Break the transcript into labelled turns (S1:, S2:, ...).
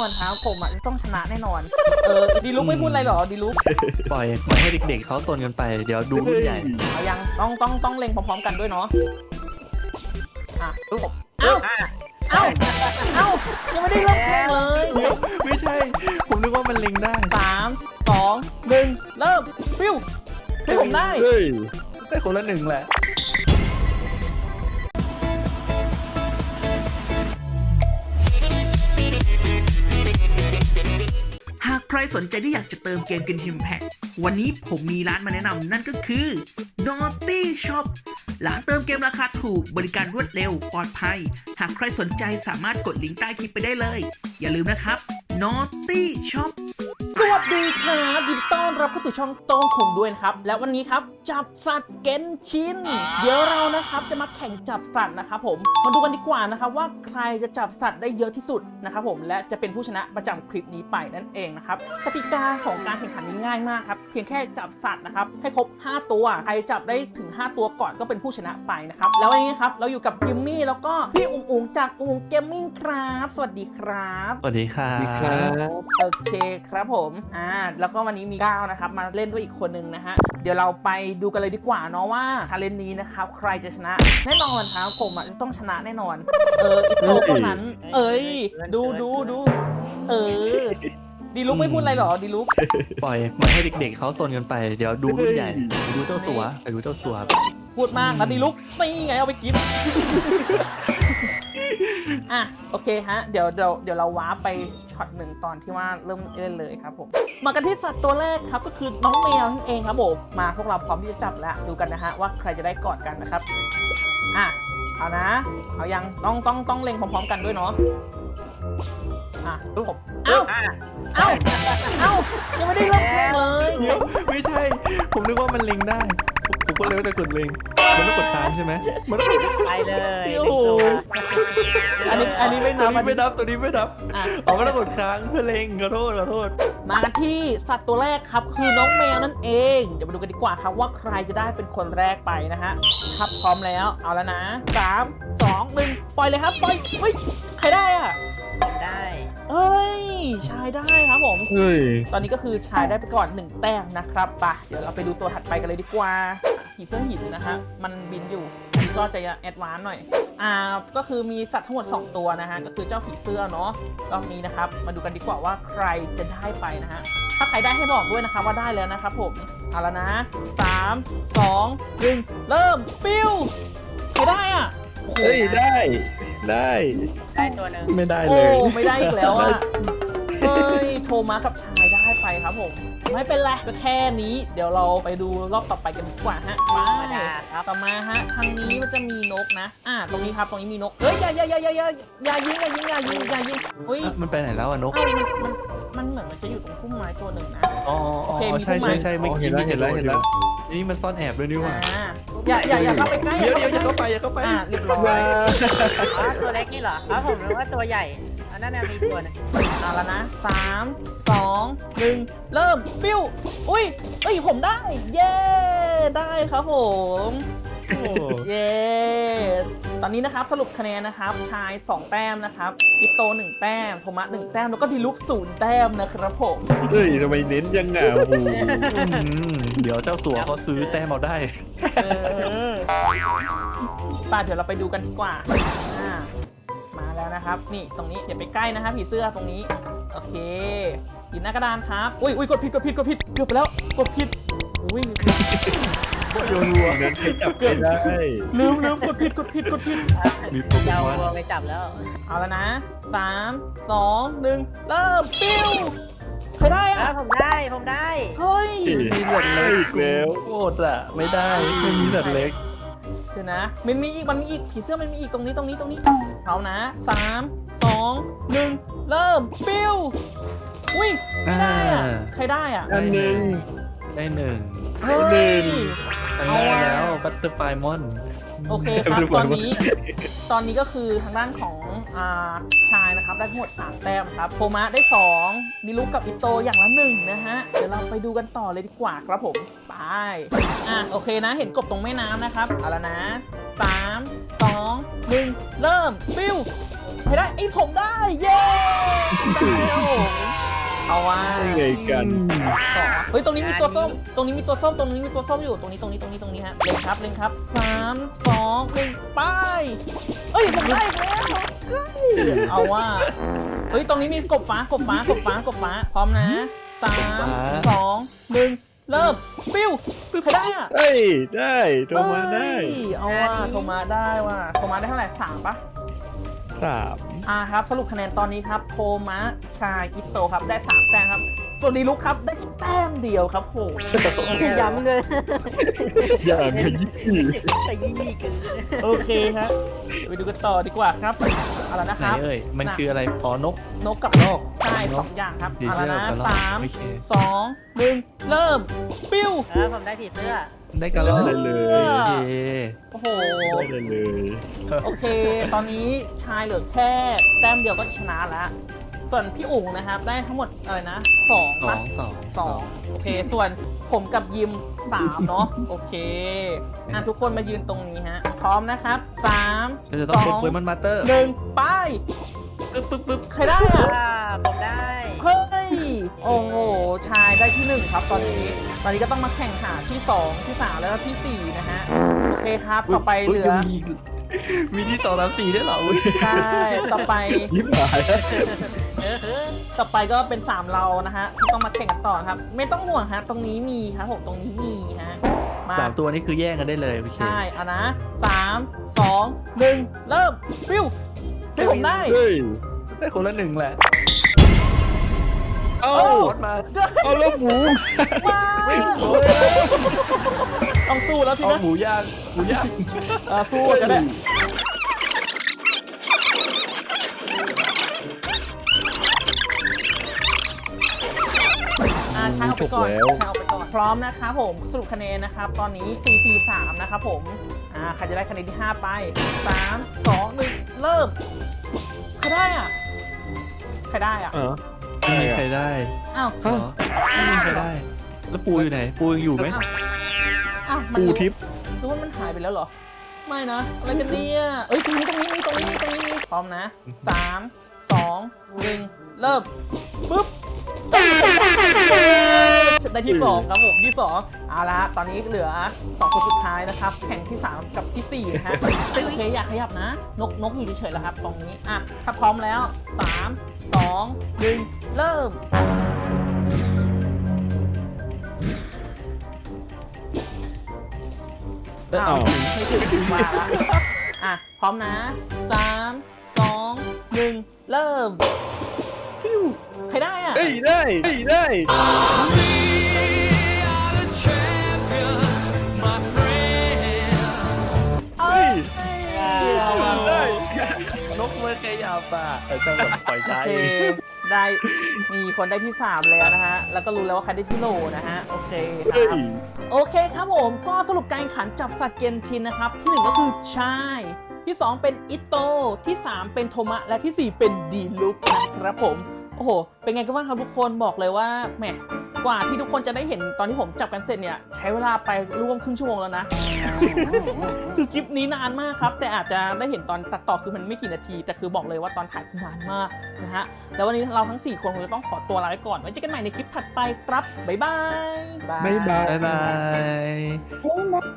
S1: อนครับผมจะต้องชนะแน่นอนดีลุกไม่พูดอะไรหรอดีลุก
S2: ปล่อยให้เด็กๆเขาโซนกันไปเดี๋ยวดูรุ่นใหญ่
S1: เอายังต้องเล็งพร้อมๆกันด้วยเนาะอ่ะเอ้ายังไม่ได้เริ่มแข่งเลย
S2: ไม่ใช่ผมนึกว่ามันเล็งได้
S1: 3 2 1เริ่มฟิวให้ผมได้
S2: ได้คนละหนึ่งแหละ
S3: หากใครสนใจที่อยากจะเติมเกมGenshin Impact วันนี้ผมมีร้านมาแนะนำนั่นก็คือ Naughty Shop ร้านเติมเกมราคาถูกบริการรวดเร็วปลอดภัยหากใครสนใจสามารถกดลิงก์ใต้คลิปไปได้เลยอย่าลืมนะครับ Naughty Shop
S1: สวัสดีครับยินดีต้อนรับเข้าสู่ช่องโต้งคุงด้วยนะครับและวันนี้ครับจับสัตว์เกนชินเดี๋ยวเรานะครับจะมาแข่งจับสัตว์นะครับผมมาดูกันดีกว่านะครับว่าใครจะจับสัตว์ได้เยอะที่สุดนะครับผมและจะเป็นผู้ชนะประจำคลิปนี้ไปนั่นเองนะครับกติกาของการแข่งขันนี้ง่ายมากครับเพียงแค่จับสัตว์นะครับให้ครบ5ตัวใครจับได้ถึง5ตัวก่อนก็เป็นผู้ชนะไปนะครับแล้ววันนี้ครับเราอยู่กับกิมมี่แล้วก็พี่อุ๋งจากอุ๋งเกมมิ่งครับสวัสดีครับ
S2: สวัสดีครับ
S1: โอเคครับผมแล้วก็วันนี้มีก้าวนะครับมาเล่นด้วยอีกคนนึงนะฮะเดี๋ยวเราไปดูกันเลยดีกว่าเนาะว่าชาเลนจ์นี้นะครับใครจะชนะแน่นอนครับผมจะต้องชนะแน่นอนอีโต้เท่านั้นดูดีลุกไม่พูดอะไรหรอดีลุก
S2: ปล่อยให้เด็กๆเขาโซนกันไปเดี๋ยวดูรุ่นใหญ่ดูเจ้าสัว
S1: พูดมากนะดีลุกตีไงเอาไปกินโอเคฮะเดี๋ยวเราว้าไปช็อตหนึ่งตอนที่ว่าเริ่มเล่นเลยครับผมมากันที่สัตว์ตัวแรกครับก็คือน้องแมวนั่นเองครับผมมาพวกเราพร้อมที่จะจับแล้วดูกันนะฮะว่าใครจะได้กอดกันนะครับเอานะเอายังต้องเล็งพร้อมๆกันด้วยเนาะผมเอ้ายังไม่ได้เริ่มแข่งเลย
S2: ไม่ใช่ผมนึกว่ามันเล็งได้ผมก็เลยว่าจะกดเล็งมันต้องกดค้างใช่ไหมมันต้อง
S4: ไปเลย
S1: อันนี้ไม่นับ
S2: ตัวนี้ไม่นับมันต้องกดค้างเพื่อเล็งขอโทษ
S1: มาที่สัตว์ตัวแรกครับคือน้องแมวนั่นเองเดี๋ยวมาดูกันดีกว่าครับว่าใครจะได้เป็นคนแรกไปนะฮะครับพร้อมแล้วเอาแล้วนะ3 2 1ปล่อยเลยครับปล่อยเฮ้ยใครได้
S4: ได้
S1: ชายได้ครับผมตอนนี้ก็คือชายได้ไปก่อน1แต้มนะครับเดี๋ยวเราไปดูตัวถัดไปกันเลยดีกว่าผีเสื้อหินนะฮะมันบินอยู่นี่ก็จะแอดวานซ์หน่อยก็คือมีสัตว์ทั้งหมด2ตัวนะฮะก็คือเจ้าผีเสื้อเนาะรอบนี้นะครับมาดูกันดีกว่าว่าใครจะได้ไปนะฮะถ้าใครได้ให้บอกด้วยนะครับว่าได้แล้วนะครับผมเอาแล้วนะ3 2 1เริ่มปิ้วใครได้
S4: ได้ตัวนึง
S2: ไม่ได้เลย
S1: ไม่ได้อีกแล้วโทมัสกับชายได้ไปครับผมไม่เป็นไรก็แค่นี้เดี๋ยวเราไปดูรอบต่อไปกันดีกว่าฮะมาต่อมาฮะทางนี้มันจะมีนกนะตรงนี้ครับตรงนี้มีนกอย่ายิงอุ้ย
S2: มันไปไหนแล้วนก
S1: มันเหมือนมันจะอยู่ตรงพุ่มไม้ตัวหนึ่งนะ
S2: โอเคใช่ไม่เห็นแล้วนี่มันซ่อนแอบด้วยนี่ว่า
S1: อย่าเข้าไปใกล้
S2: อย่าเข้าไป
S1: เรียบร้อย
S4: ตัวเล็กนี่เหรอครับผมรู้ว่าตัวใหญ่อันนั้นมีตัวนึง
S1: เอาแล้วนะ3 2 1เริ่มปิ้วอุ้ยผมได้เย้ได้ครับผมเย้ตอนนี้นะครับสรุปคะแนนนะครับชาย2แต้มนะครับอิโต1แต้มโทมัส1แต้มแล้วก็ดีลุก0แต้มนะครับผม
S2: ทำไมเน้นยังไงเดี๋ยวเจ้าสัวเขาซื้อแต้มเอาได้
S1: เดี๋ยวเราไปดูกันดีกว่ามาแล้วนะครับนี่ตรงนี้อย่าไปใกล้นะครับผีเสื้อตรงนี้โอเคหยิบหน้ากระดานครับอุ้ยกดผิดเกือบไปแล้วกดผิดอุ้ย
S2: โยนวัวเดินจับกันได้
S1: ลืมกดผิด
S2: มีโปรแกรม
S4: วัวไปจับแล้ว
S1: เอาแล้วนะ3 2 1เริ่มปิ้วใครได้
S4: ผมได้
S1: เฮ้ย
S2: มีสัตว์เล็กแล้วโคตรไม่ได้ไม่มีสัตว์เล็ก
S1: เดี๋ยวนะมันมีอีกผีเสื้อมันมีอีกตรงนี้เอานะ3 2 1เริ่มปิ้วอุ้ยไม่ได้ใครได้
S2: อันหนึ่งได้1ได้แล้วบัตเตอร์ไฟมอน
S1: โอเคครับตอนนี้ก็คือทางด้านของชายนะครับได้ทั้งหมด3แต้มครับโทมัสได้2ดิลุกกับอิโตอย่างละ1นะฮะเดี๋ยวเราไปดูกันต่อเลยดีกว่าครับผมไปโอเคนะเห็นกบตรงแม่น้ำนะครับเอาละนะ3 2 1เริ่มปิ้วใครรได้ไอ้ผมได้เย้ได้แล้วผมเอาว่า
S2: ได้ไงกัน
S1: สองเฮ้ยตรงนี้มีตัวส้มตรงนี้มีตัวส้มตรงนี้มีตัวส้มอยู่ตรงนี้ฮะเล็งครับ3 2 1ไปเอ้ยผมได้อีกแล้วเฮ้ยเอาว่าเฮ้ยตรงนี้มีกบฟ้าพร้อมนะ3 2 1เริ่มปิ้วใครได้อะ
S2: เฮ้ยได้โทรมาได้
S1: เอ้ยเอาว่าโทรมาได้ว่ะโทรมาได้เท่าไหร่3ปะ
S2: 3
S1: ครับสรุปคะแนนตอนนี้ครับโทมัสชายอิโตะครับได้3แต้มครับส่วนดีลุกครับได้แค่แต้มเดียวครับโห
S4: ย้ำเลย
S2: อย่างขยี้
S4: แต่ยี่นี่คือ
S1: โอเคครับไปดูกันต่อดีกว่าครับเอาละนะ
S2: ไห
S1: คน รับ
S2: เอ่ยมันคืออะไรอ๋อนก
S1: นกกับ
S2: นก
S1: ใช่
S2: นก
S1: สองอย่างครับ
S2: เดี๋ยว
S1: เอาละนะ
S2: เดี๋ยว
S1: สาม
S2: โอเค
S1: สองหนึ่งเริ่มปิ้ว
S4: ผมได้ผีเสื้อ
S2: ได้กันแล้วเลย
S1: โอ้โห
S2: ได้เลย
S1: โอเค ตอนนี้ชายเหลือแค่แต้มเดียวก็ชนะแล้วส่วนพี่อุ๋งนะครับได้ทั้งหมดอะไรนะ2
S2: ส
S1: ปะ
S2: อง
S1: 2โอเค ส่วนผมกับยิม3เนาะโอเคทุกคนมายืนตรงนี้ฮะพร้อมนะครับ3
S2: จะต้องเป็นเวมันมาสเตอร์
S1: 1ไป
S2: ปึ๊บ
S1: ใครได้อะ
S4: ผมได้
S1: เฮ้ย โอ้โห ชายได้ที่ 1 ครับตอนนี้ก็ต้องมาแข่งหาที่ 2 ที่ 3 แล้วก็ที่ 4 นะฮะ โอเคครับ ต่อไปเหลือ
S2: มีที่2 3 4ด้วยเหรอ
S1: ใช่ ต่อไป
S2: ยิ้มหาย
S1: ต่อไปก็เป็น 3 เรานะฮะ ที่ต้องมาแข่งกันต่อครับ ไม่ต้องห่วงฮะ ตรงนี้มีครับผม ตรงนี้มีฮะ มา
S2: 3 ตัวนี้คือแย่งกันได้เลยโอเค
S1: ใช่เอานะ3 2 1 เริ่มฟิวให้ผมได้
S2: เฮ้ยได้คนละ1แหละ เอารถมา เอารถหมู
S1: ว้าวต้องสู้แล้วสิ
S2: เอา
S1: นะ
S2: หมูย่าง
S1: สู้จะได้ช้างเอาไปก่อนพร้อมนะครับผมสรุปคะแนนนะครับตอนนี้4-4-3นะครับผมใครจะได้คะแนนที่ 5 ไป 3 2 1 เริ่มใครได้อ่ะใครได้อ่ะ
S2: ไม่มีใครได้
S1: อ้าว
S2: เหรอไม่มีใครได้ แล้วปูอยู่ไหน ปูยังอยู่ไหม
S1: อ้าวมัน
S2: ปูทิพย์
S1: หรือว่ามันหายไปแล้วเหรอไม่นะอะไรกันเนี่ยเอ้ยตรงนี้พร้อมนะ3 2 1 เริ่มปุ๊บได้ที่ 2 ครับผมที่ 2เอาละตอนนี้เหลือ2 คนสุดท้ายนะครับแข่งที่ 3 กับที่ 4 นะฮะโอเคอยากขยับนะนกอยู่เฉยๆแล้วครับตรงนี้ถ้าพร้อมแล้ว3 2 1 เริ่มไม่ถึงมาละพร้อมนะ3 2 1 เริ่มใครได้อ่ะ
S2: ได้
S1: เอ้ย
S2: ได้นกเมื่อขยับอ่ะจังหวะปล่อย
S1: โอ
S2: ใช้
S1: เคได้มีคนได้ที่ 3 แล้วนะฮะแล้วก็รู้แล้วว่าใครได้ที่โหลนะฮะโอเคครับโอเคครับผมก็สรุปการแข่งขันจับสัตว์เกนชินนะครับที่ 1 ก็คือชายที่ 2 เป็นอิโตที่ 3 เป็นโทมะและที่ 4 เป็นดีลุกนะครับผมโอ้โหเป็นไงกันบ้างครับทุกคนบอกเลยว่าแหมกว่าที่ทุกคนจะได้เห็นตอนที่ผมจับกันเสร็จเนี่ยใช้เวลาไปร่วมครึ่งชั่วโมงแล้วนะ คือคลิปนี้นานมากครับแต่อาจจะได้เห็นตอนตัดต่อคือมันไม่กี่นาทีแต่คือบอกเลยว่าตอนถ่ายนานมากนะฮะแล้ววันนี้เราทั้ง4คนคงจะต้องขอตัวลาไปก่อนไว้เจอกันใหม่ในคลิปถัดไปครับบ๊ายบาย
S2: บ๊ายบาย